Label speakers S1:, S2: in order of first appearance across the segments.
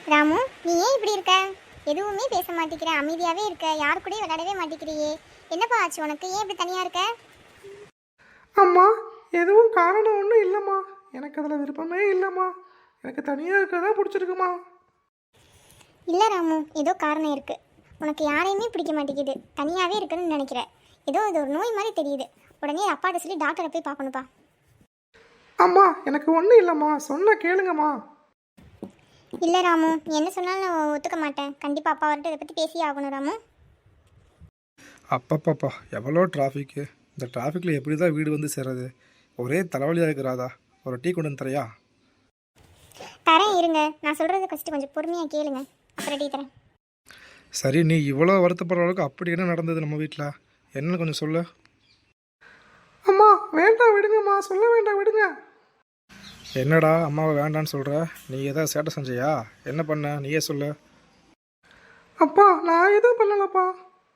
S1: ராமு, நீ ஏன் இப்படி இருக்க? எதுவுமே பேச மாட்டேங்கிற, அமைதியாவே இருக்க, யாரு கூடயும் விளையாடவே மாட்டேங்கிறியே. என்னப்பா ஆச்சு உனக்கு? ஏன் இப்படி தனியா இருக்க?
S2: அம்மா, எதுவும் காரணம் ஒன்றும் இல்லைம்மா. எனக்கு அதில் விருப்பமே இல்லைம்மா. எனக்கு தனியாக இருக்கிறதா பிடிச்சிருக்குமா.
S1: இல்ல ராமு, ஏதோ காரணம் இருக்கு. உனக்கு யாரையுமே பிடிக்க மாட்டேங்குது, தனியாவே இருக்குன்னு நினைக்கிற. ஏதோ இது ஒரு நோய் மாதிரி தெரியுது. உடனே அப்பாட்ட சொல்லி டாக்டரை போய் பார்க்கணுப்பா.
S2: அம்மா, எனக்கு ஒன்றும் இல்லைம்மா, சொன்ன கேளுங்கம்மா.
S1: இல்ல ராமு, நீ என்ன சொன்னாலும் நான் ஒத்துக்க மாட்டேன். கண்டிப்பா அப்பா வரட்டு இதை பத்தி பேசியே ஆகணும் ராமு.
S3: அப்பப்பப்பா எவ்வளோ டிராஃபிக்கு. இந்த டிராஃபிக்கில் எப்படி தான் வீடு வந்து சேர்றது? ஒரே தலைவலியாக இருக்கிறாதா? ஒரு டீ கொண்டு வந்து தரையா?
S1: தரேன் இருங்க, நான் சொல்றது ஃபர்ஸ்ட் கொஞ்சம் பொறுமையா கேளுங்க, அப்புறம் டீ தரேன்.
S3: சரி, நீ இவ்வளோ வருத்தப்படுற அளவுக்கு அப்படி என்ன நடந்தது நம்ம வீட்டில்? என்னன்னு கொஞ்சம் சொல்லு.
S2: அம்மா, வேண்டாம் விடுங்கம்மா, சொல்ல வேண்டாம் விடுங்க.
S3: என்னடா அம்மாவை வேண்டான்னு சொல்கிற? நீ எதாவது சேட்டை செஞ்சியா? என்ன பண்ண நீயே சொல்லு.
S2: அப்பா, நான் எதுவும் பண்ணலப்பா.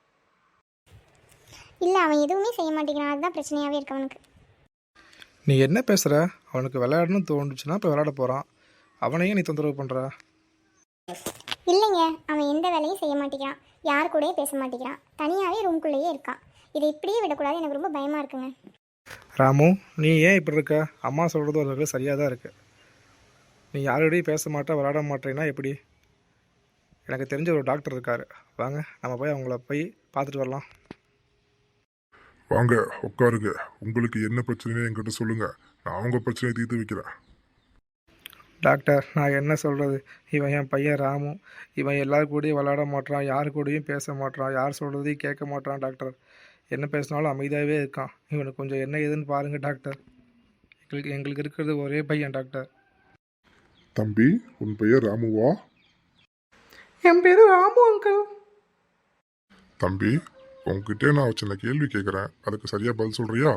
S1: இல்ல, அவன் எதுவுமே செய்ய மாட்டேங்கிறான், அதுதான் பிரச்சனையாவே இருக்கு அவனுக்கு.
S3: நீ என்ன பேசுகிற? அவனுக்கு விளையாடணும்னு தோணுச்சுன்னா இப்போ விளையாட போகிறான். அவனையும் நீ தொந்தரவு பண்ணுற?
S1: இல்லைங்க, அவன் எந்த வேலையும் செய்ய மாட்டேங்கிறான், யாரு கூடயும் பேச மாட்டேங்கிறான், தனியாவே ரூம்குள்ளேயே இருக்கான். இதை இப்படியே விடக்கூடாது, எனக்கு ரொம்ப பயமா இருக்குங்க.
S3: ராமு, நீ ஏன் இப்படி இருக்க? அம்மா சொல்கிறது ஒரு வகையில் சரியாக தான் இருக்குது. நீ யாரோடையும் பேச மாட்டே, விளையாட மாட்டேன்னா எப்படி? எனக்கு தெரிஞ்ச ஒரு டாக்டர் இருக்கார், வாங்க நம்ம போய் அவங்கள போய் பார்த்துட்டு வரலாம்.
S4: வாங்க உட்காருங்க. உங்களுக்கு என்ன பிரச்சனைன்னு என்கிட்ட சொல்லுங்க, நான் உங்க பிரச்சனையை தீர்த்து வைக்கிறேன்.
S3: டாக்டர், நான் என்ன சொல்கிறது? இவன் என் பையன் ராமு. இவன் எல்லார் கூடயும் விளையாட மாட்டான், யார் கூடயும் பேச மாட்டான், யார் சொல்கிறதையும் கேட்க மாட்டான் டாக்டர். என்ன பேசினாலும் அமைதியாகவே இருக்கான். இவனுக்கு கொஞ்சம் என்ன ஏதுன்னு பாருங்கள் டாக்டர். எங்களுக்கு இருக்கிறது ஒரே பையன் டாக்டர்.
S4: தம்பி, உன் பெயர் ராமுவா?
S2: என் பேரு ராமு அங்கிள்.
S4: தம்பி, உங்ககிட்ட நான் சின்ன கேள்வி கேட்குறேன், அதுக்கு சரியா பதில் சொல்றியா?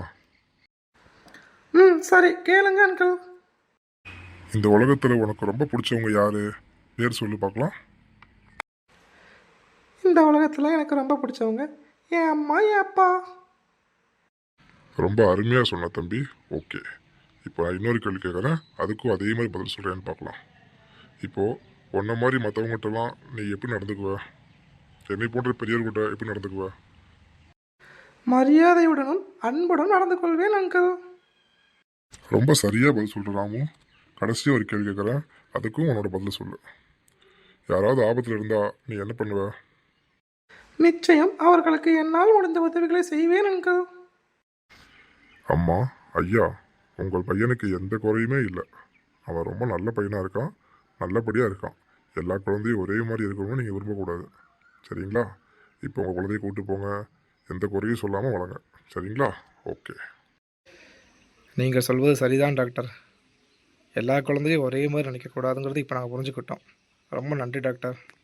S2: சரி, கேளுங்க அங்கிள்.
S4: இந்த உலகத்துல உனக்கு ரொம்ப பிடிச்சவங்க யாரு? பேர் சொல்லி பார்க்கலாம்.
S2: இந்த உலகத்தில் எனக்கு ரொம்ப பிடிச்சவங்க என் அம்மா, என் அப்பா.
S4: ரொம்ப அருமையாக சொன்ன தம்பி. ஓகே, இப்போ நான் இன்னொரு கேள்வி கேட்குறேன், அதுக்கும் அதே மாதிரி பதில் சொல்கிறேன்னு பார்க்கலாம். இப்போது உன்ன மாதிரி மற்றவங்ககிட்டலாம் நீ எப்படி நடந்துக்குவ? என்னை போன்ற பெரியவர்கிட்ட எப்படி நடந்துக்குவ?
S2: மரியாதையுடனும் அன்புடன் நடந்து கொள்வேன் அங்கிள்.
S4: ரொம்ப சரியாக பதில் சொல்கிற ராமு. கடைசியாக ஒரு கேள்வி கேட்குறேன், அதுக்கும் உன்னோட பதில் சொல்லு. யாராவது ஆபத்தில் இருந்தால் நீ என்ன பண்ணுவ?
S2: நிச்சயம் அவர்களுக்கு என்னால் முடிந்த உதவிகளை செய்வேன் அங்கிள்.
S4: அம்மா, ஐயா, உங்கள் பையனுக்கு எந்த குறையுமே இல்லை. அவன் ரொம்ப நல்ல பையனாக இருக்கான், நல்லபடியாக இருக்கான். எல்லா குழந்தையும் ஒரே மாதிரி இருக்கணும்னு நீங்கள் விரும்பக்கூடாது, சரிங்களா? இப்போ உங்கள் குழந்தைய கூப்பிட்டு போங்க, எந்த குறையும் சொல்லாமல் வளங்க, சரிங்களா? ஓகே.
S3: நீங்கள் சொல்வது சரிதான் டாக்டர். எல்லா குழந்தையும் ஒரே மாதிரி நினைக்கக்கூடாதுங்கிறது இப்போ நாங்கள் புரிஞ்சுக்கிட்டோம். ரொம்ப நன்றி டாக்டர்.